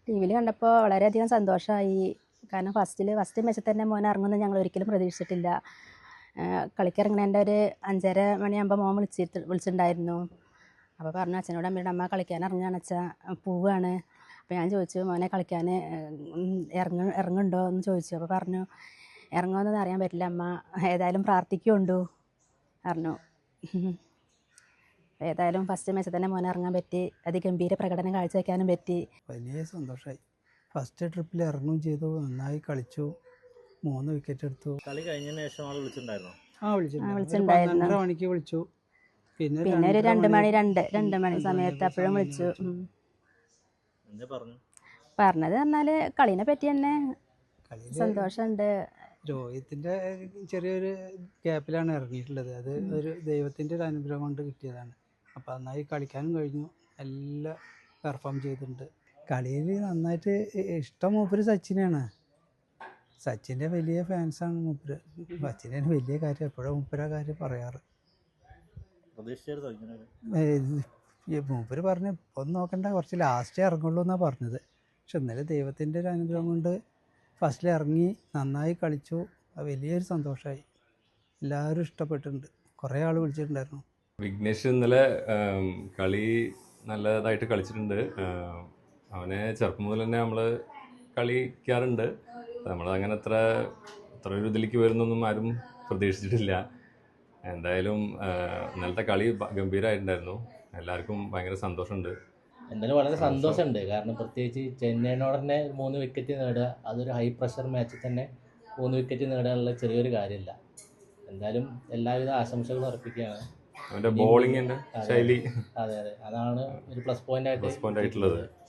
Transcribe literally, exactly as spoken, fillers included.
T വിയിൽ കണ്ടപ്പോൾ വളരെയധികം സന്തോഷമായി. കാരണം ഫസ്റ്റിൽ ഫസ്റ്റ് മാച്ചിൽ തന്നെ മോൻ ഇറങ്ങുമെന്ന് ഞങ്ങൾ ഒരിക്കലും പ്രതീക്ഷിച്ചിട്ടില്ല. കളിക്കിറങ്ങണേൻ്റെ ഒരു അഞ്ചര മണിയാകുമ്പോൾ മോൻ വിളിച്ചിട്ട് വിളിച്ചിട്ടുണ്ടായിരുന്നു. അപ്പോൾ പറഞ്ഞു അച്ഛനോട് അമ്മയോട് അമ്മ കളിക്കാൻ ഇറങ്ങുകയാണ് അച്ഛാ, പോവുകയാണ്. അപ്പോൾ ഞാൻ ചോദിച്ചു മോനെ കളിക്കാൻ ഇറങ്ങ ഇറങ്ങുന്നുണ്ടോ എന്ന് ചോദിച്ചു. അപ്പോൾ പറഞ്ഞു ഇറങ്ങുമെന്നൊന്നും അറിയാൻ പറ്റില്ല അമ്മ, ഏതായാലും പ്രാർത്ഥിക്കുണ്ടു പറഞ്ഞു. ഏതായാലും ഫസ്റ്റ് മാച്ചിൽ തന്നെ മോനെ ഇറങ്ങാൻ പറ്റി, അതിഗംഭീര പ്രകടനം കാഴ്ചവെക്കാനും പറ്റി. വലിയ സന്തോഷമായി. ഫസ്റ്റ് ട്രിപ്പിൽ ഇറങ്ങുകയും ചെയ്തു, നന്നായി കളിച്ചു, മൂന്ന് വിക്കറ്റ് എടുത്തു. കളി കഴിഞ്ഞതിന് ശേഷം ആൾ വിളിച്ചിട്ടുണ്ടായിരുന്നു. ആ വിളിച്ചിട്ടുണ്ടായിരുന്നു. പന്ത്രണ്ടര മണിക്ക് വിളിച്ചു. പിന്നെ പിന്നെ ഒരു രണ്ട് മണി രണ്ട് രണ്ട് മണി സമയത്ത് അപ്പോഴും വിളിച്ചു. എന്താ പറഞ്ഞു? പറഞ്ഞത് പറഞ്ഞാല് കളീനെ പറ്റി തന്നെ സന്തോഷമുണ്ട്. രോഹിത്തിന്റെ ചെറിയൊരു ഗ്യാപ്പിലാണ് ഇറങ്ങിയിട്ടുള്ളത്. അത് ഒരു ദൈവത്തിന്റെ ഒരു അനുഗ്രഹം കൊണ്ട് കിട്ടിയതാണ്. അപ്പം നന്നായി കളിക്കാനും കഴിഞ്ഞു, എല്ലാം പെർഫോം ചെയ്തിട്ടുണ്ട്. കളിയിൽ നന്നായിട്ട് ഇഷ്ടം മൂപ്പര് സച്ചിനാണ്. സച്ചിൻ്റെ വലിയ ഫാൻസാണ് മൂപ്പര്. സച്ചിനാണ് വലിയ കാര്യം, എപ്പോഴും മൂപ്പര കാര്യം പറയാറ്. മൂപ്പര് പറഞ്ഞ് ഒന്ന് നോക്കണ്ട, കുറച്ച് ലാസ്റ്റേ ഇറങ്ങുള്ളൂ എന്നാണ് പറഞ്ഞത്. പക്ഷെ ഇന്നലെ ദൈവത്തിൻ്റെ ഒരു അനുഗ്രഹം കൊണ്ട് ഫസ്റ്റിൽ ഇറങ്ങി നന്നായി കളിച്ചു. അത് വലിയൊരു സന്തോഷമായി. എല്ലാവരും ഇഷ്ടപ്പെട്ടിട്ടുണ്ട്. കുറേ ആൾ വിളിച്ചിട്ടുണ്ടായിരുന്നു. വിഘ്നേഷ് ഇന്നലെ കളി നല്ലതായിട്ട് കളിച്ചിട്ടുണ്ട്. അവനെ ചെറുപ്പം മുതൽ തന്നെ നമ്മൾ കളിക്കാറുണ്ട്. നമ്മളങ്ങനെ അത്ര അത്ര ഒരു ഇതിലേക്ക് വരുന്നൊന്നും ആരും പ്രതീക്ഷിച്ചിട്ടില്ല. എന്തായാലും ഇന്നലത്തെ കളി ഗംഭീരമായിട്ടുണ്ടായിരുന്നു. എല്ലാവർക്കും ഭയങ്കര സന്തോഷമുണ്ട്. എന്തായാലും വളരെ സന്തോഷമുണ്ട്. കാരണം പ്രത്യേകിച്ച് ചെന്നൈനോട് തന്നെ മൂന്ന് വിക്കറ്റ് നേടുക, അതൊരു ഹൈ പ്രഷർ മാച്ചിൽ തന്നെ മൂന്ന് വിക്കറ്റ് നേടാനുള്ള ചെറിയൊരു കാര്യമില്ല. എന്തായാലും എല്ലാവിധ ആശംസകളും അർപ്പിക്കുകയാണ്. അവൻ്റെ ബോളിങ്ങിൻ്റെ ശൈലി അതെ അതെ അതാണ് ഒരു പ്ലസ് പോയിന്റ് ആയിട്ട് പ്ലസ് പോയിന്റ് ആയിട്ടുള്ളത്.